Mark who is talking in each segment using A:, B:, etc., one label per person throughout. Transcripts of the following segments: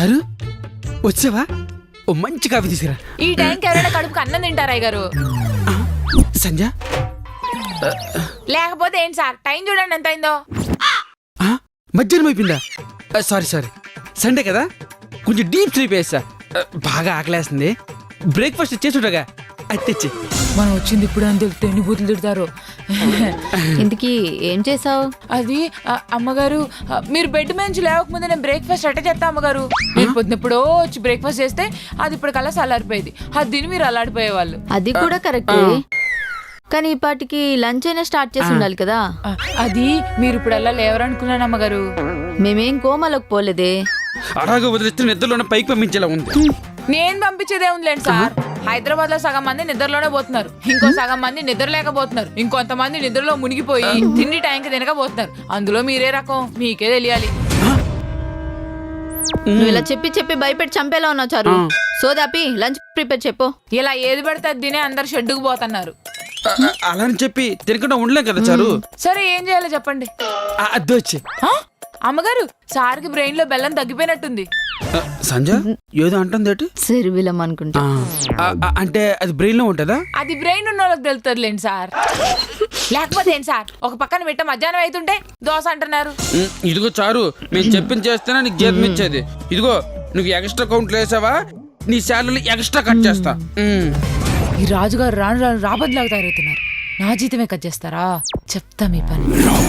A: చారు వచ్చావా? ఓ మంచి కాఫీ తీసుకురా.
B: ఈ టైంకి ఎవరైనా కడుపుకి అన్నం తింటారా గారు?
A: సంజ
B: లేకపోతే ఏంటి సార్, టైం చూడండి ఎంత అయిందో.
A: మధ్యాహ్నం అయిపోయిందా? సారీ సండే కదా, కొంచెం డీప్ స్లీప్ వేస్తా. బాగా ఆకలేస్తుంది. బ్రేక్ఫాస్ట్ చేసుండగా అది తెచ్చి.
B: మనం వచ్చింది ఇప్పుడు అని తెలిస్తే ఎన్ని బూతులు తిడతారు.
C: ఇంతకీ ఏం చేసావు?
B: అది అమ్మగారు, మీరు బెడ్ నుంచి లేవకముందు నేను బ్రేక్ఫాస్ట్ అట్ట చేస్తా అమ్మగారు. నేను పొద్దునప్పుడో వచ్చి బ్రేక్ఫాస్ట్ చేస్తే అది ఇప్పుడు కల్లా చల్లారిపోయేది. అది తిని మీరు అల్లాడిపోయేవాళ్ళు.
C: అది కూడా కరెక్టే, కానీ ఇప్పటికి లంచ్ అయినా స్టార్ట్ చేసి ఉండాలి కదా.
B: అది మీరు ఇప్పుడు అలా లేవరనుకున్నాను అమ్మగారు.
C: మేమేం కోమలోకి పోలేదే.
A: అలాగే వదిలిస్తే నిద్రలోనే పైకి పంపించేలా ఉంది.
B: నేను పంపించేదే ఉందిలేండి సార్. హైదరాబాద్ లో సగం మంది నిద్రలోనే పోతున్నారు, ఇంకో సగం మంది నిద్ర లేకపోతున్నారు, ఇంకొంతమంది నిద్రలో మునిగిపోయి తిండి టైంకి తినకపోతున్నారు. అందులో మీరే రకం, మీకే తెలియాలి.
C: నువ్వు ఇలా చెప్పి భయపెట్టి చంపేలా ఉన్నావు చారు. సోదాపి లంచ్ ప్రిపేర్ చెప్పు.
B: ఇలా ఏది పడితే అది తినే అందరు షెడ్డుకు పోతున్నారు.
A: అలా అని చెప్పి తినకుండా ఉండలేం కదా చారు.
B: సరే ఏం చేయాలో చెప్పండి.
A: అద్దె వచ్చి
B: అమ్మగారు, సార్కి బ్రెయిన్ లో బెల్లం తగ్గిపోయినట్టుంది.
A: సంజ ఏదో అంటుంది.
C: శరీరం అనుకుంటా.
A: అంటే అది బ్రెయిన్ లో ఉంటుందా?
B: అది బ్రెయిన్ ఉన్న వాళ్ళకి తెలుస్తుందిలేండి సార్. లేకపోతే ఏంటి సార్, ఒక పక్కన పెట్ట మధ్యాహ్నం అవుతుంటే దోశ అంటున్నారు.
A: ఇదిగో చారు, మేము చెప్పింది చేస్తేనే నీకు జీతం ఇచ్చేది. ఇదిగో నువ్వు ఎక్స్ట్రా కౌంట్లు వేసావా, నీ శాలరీ ఎక్స్ట్రా కట్ చేస్తా.
B: ఈ రాజుగారు రాను రాను రాబద్దులాగా తయారవుతున్నారు. నా జీతమే కట్ చేస్తారా? చెప్తా మీ పని.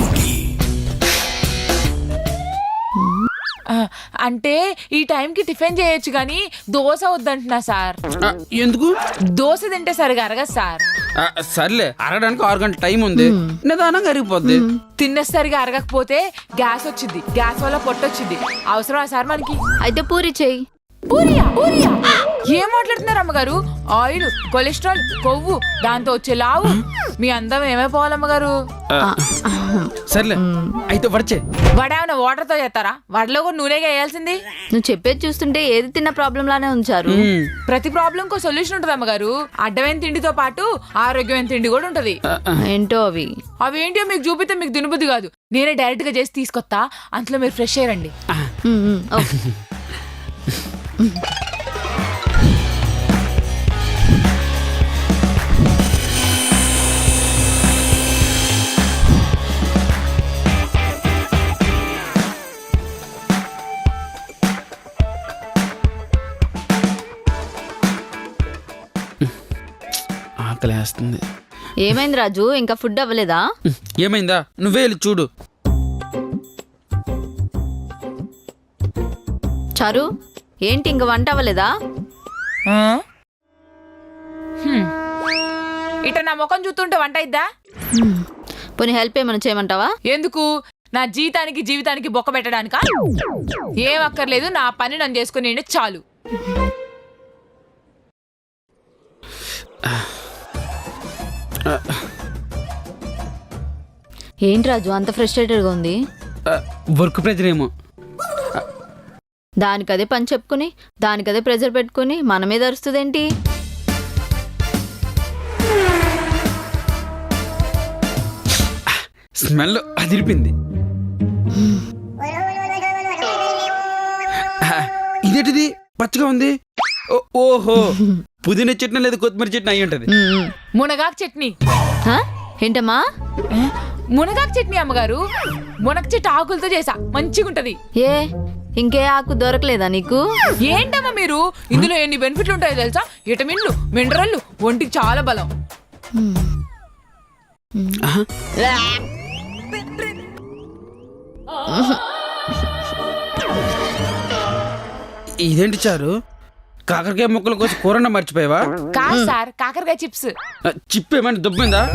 B: అంటే ఈ టైంకి టిఫిన్ చేయొచ్చు కానీ దోశ వద్దంటున్నా సార్.
A: ఎందుకు?
B: దోశ తింటే సరిగా అరగదు సార్.
A: సర్లే, అరగడానికి 6 గంటల టైం ఉంది, నిదానంగా అరిగిపోద్ది.
B: తిన్న సరిగా అరగకపోతే గ్యాస్ వచ్చింది, గ్యాస్ వల్ల పొట్టొచ్చింది. అవసరమా సార్ మనకి?
C: అయితే పూరి చెయ్యి.
B: పూరియా? ఏం మాట్లాడుతున్నారు అమ్మగారు? ఆయిల్, కొలెస్ట్రాల్, కొవ్వు, దాంతో వచ్చే లావు. మీ అందం ఏమైపోవాలమ్మగారు?
A: సర్లే అయితే వడచే.
B: వడేమన్నా వాటర్ తో చేస్తారా? వడలో కూడా నూనెగా వేయాల్సింది.
C: నువ్వు చెప్పేది చూస్తుంటే ఏది తిన్న ప్రాబ్లం లానే ఉంచారు.
B: ప్రతి ప్రాబ్లం కో సొల్యూషన్ ఉంటుంది అమ్మగారు. అడ్డమైన తిండితో పాటు ఆరోగ్యమైన తిండి కూడా ఉంటది.
C: ఏంటో అవి?
B: అవేంటో మీకు చూపితే మీకు దినబుద్ధి కాదు. నేనే డైరెక్ట్ గా చేసి తీసుకొస్తా, అంతలో మీరు ఫ్రెష్ అయ్యండి.
A: ఆకలేస్తుంది.
C: ఏమైంది రాజు, ఇంకా ఫుడ్ అవ్వలేదా?
A: ఏమైందా, నువ్వే వెళ్ళి చూడు.
C: చారు ఏంటి ఇంక వంట అవ్వలేదా?
B: ఇట నా ముఖం చూస్తుంటే వంట అయిద్దా?
C: పోనీ హెల్ప్ ఏమైనా చేయమంటావా?
B: ఎందుకు? నా జీవితానికి బొక్క పెట్టడానికా? ఏం అక్కర్లేదు, నా పని నన్ను చేసుకుని చాలు.
C: ఏంటి రాజు అంత ఫ్రస్ట్రేటెడ్గా ఉంది?
A: వర్క్ ప్రెజర్ ఏమో.
C: దానికదే పని చెప్పుకుని దానికదే ప్రెజర్ పెట్టుకుని మన మీద అరుస్తుందేంటి?
A: స్మెల్ అదిరిపింది. ఇదేంటిది పచ్చగా ఉంది? ఓహో, పుదీనా చట్నీ లేదు కొత్తిమీర చట్నీ అయ్యి ఉంటది.
B: మునగాకు చట్నీ.
C: ఏంటమ్మా?
B: మునగాకు చట్నీ అమ్మగారు. మునగ చెట్టు ఆకులతో చేసా, మంచిగా ఉంటది.
C: ఏ ఇంకే ఆకు దొరకలేదా నీకు?
B: ఏంటమ్మా మీరు, ఇందులో ఎన్ని బెనిఫిట్లు ఉంటాయో తెలుసా? విటమిన్లు, మినరల్లు, ఒంటికి చాలా బలం.
A: ఇదేంటి చారు, కాకరకాయ ముక్కల కోసం కూరన్న మర్చిపోయావా?
B: కాదు సార్, కాకరకాయ చిప్స్.
A: చిప్ ఏమైనా దుబ్బిందా?